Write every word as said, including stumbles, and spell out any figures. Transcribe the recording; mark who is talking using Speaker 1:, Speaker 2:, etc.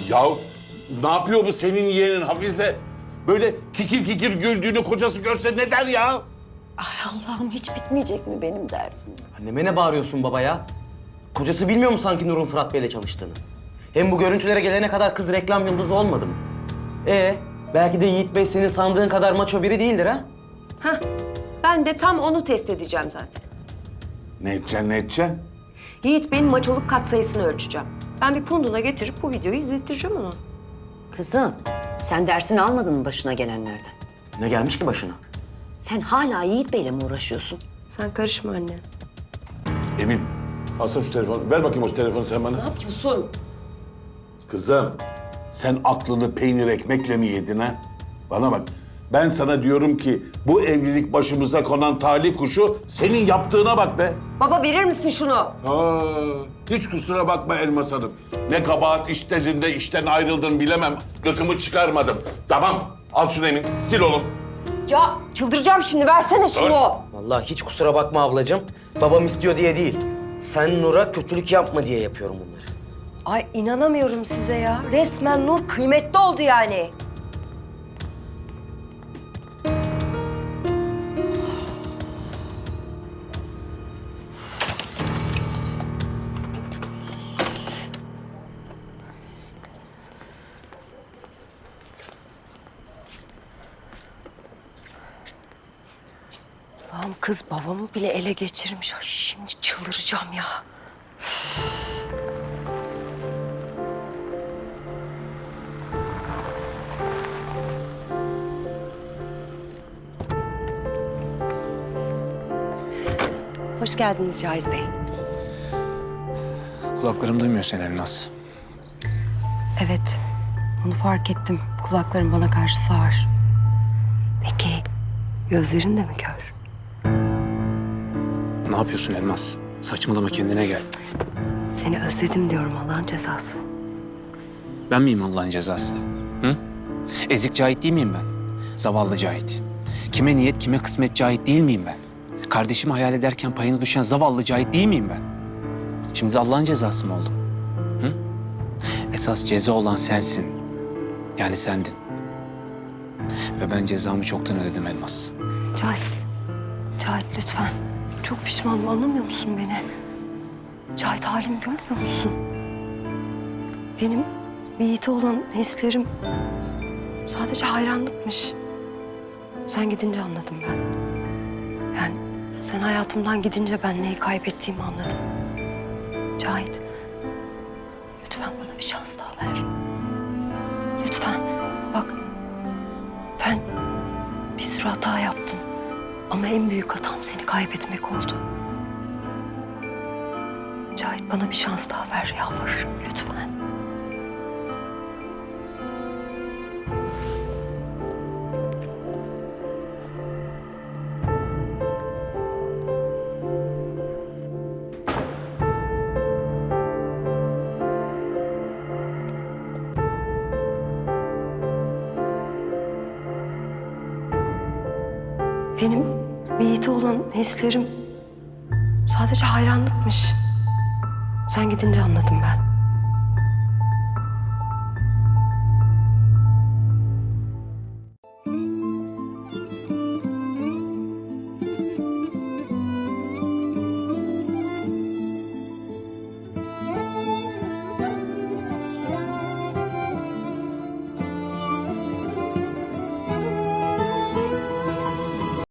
Speaker 1: Ya ne yapıyor bu senin yeğenin Hafize? Böyle kikir kikir güldüğünü kocası görse ne der ya?
Speaker 2: Ay Allah'ım, hiç bitmeyecek mi benim derdim?
Speaker 3: Anneme ne bağırıyorsun baba ya? Kocası bilmiyor mu sanki Nur'un Fırat Bey'le çalıştığını? Hem bu görüntülere gelene kadar kız reklam yıldızı olmadı mı? Ee, belki de Yiğit Bey senin sandığın kadar maço biri değildir ha?
Speaker 2: Hah, ben de tam onu test edeceğim zaten.
Speaker 1: Ne edeceksin, ne edeceksin?
Speaker 2: Yiğit Bey'in maçoluk katsayısını ölçeceğim. Ben bir punduna getirip bu videoyu izlettireceğim ona. Kızım, sen dersini almadın mı başına gelenlerden?
Speaker 3: Ne gelmiş ki başına?
Speaker 2: Sen hala Yiğit Bey'le mi uğraşıyorsun? Sen karışma anne.
Speaker 1: Emin, alsana şu telefonu. Ver bakayım o telefonu sen bana.
Speaker 2: Ne yapıyorsun?
Speaker 1: Kızım, sen aklını peynir ekmekle mi yedin ha? Bana bak, ben sana diyorum ki bu evlilik başımıza konan talih kuşu senin yaptığına bak be.
Speaker 2: Baba, verir misin şunu?
Speaker 1: Aa, hiç kusura bakma Elmas Hanım. Ne kabahat işlerinde işten ayrıldın bilemem. Gıkımı çıkarmadım. Tamam, al şunu Emin, sil oğlum.
Speaker 2: Ya çıldıracağım şimdi, versene şunu.
Speaker 3: Vallahi hiç kusura bakma ablacığım. Babam istiyor diye değil. Sen Nur'a kötülük yapma diye yapıyorum bunları.
Speaker 2: Ay inanamıyorum size ya. Resmen Nur kıymetli oldu yani. Allah'ım, kız babamı bile ele geçirmiş. Ay şimdi çıldıracağım ya. Hoş geldiniz Cahit Bey.
Speaker 4: Kulaklarım duymuyor seni Elmas.
Speaker 2: Evet, onu fark ettim. Kulaklarım bana karşı sağır. Peki, gözlerin de mi kör?
Speaker 4: Ne yapıyorsun Elmas? Saçmalama, kendine gel.
Speaker 2: Seni özledim diyorum, Allah'ın cezası.
Speaker 4: Ben miyim Allah'ın cezası? Hı? Ezik Cahit değil miyim ben? Zavallı Cahit. Kime niyet, kime kısmet Cahit değil miyim ben? Kardeşimi hayal ederken payına düşen zavallı Cahit değil miyim ben? Şimdi de Allah'ın cezası mı oldum? Hı? Esas ceza olan sensin. Yani sendin. Ve ben cezamı çoktan ödedim Elmas.
Speaker 2: Cahit, Cahit lütfen. Çok pişmanım, anlamıyor musun beni? Cahit, halimi görmüyor musun? Benim Yiğit'e olan hislerim sadece hayranlıkmış. Sen gidince anladım ben. Yani sen hayatımdan gidince ben neyi kaybettiğimi anladım. Cahit, lütfen bana bir şans daha ver. Lütfen. Bak, ben bir sürü hata yaptım. Ama en büyük hatam seni kaybetmek oldu. Cahit, bana bir şans daha ver, yalvarırım lütfen. Benim Yiğit'e olan hislerim sadece hayranlıkmış. Sen gidince anladım ben.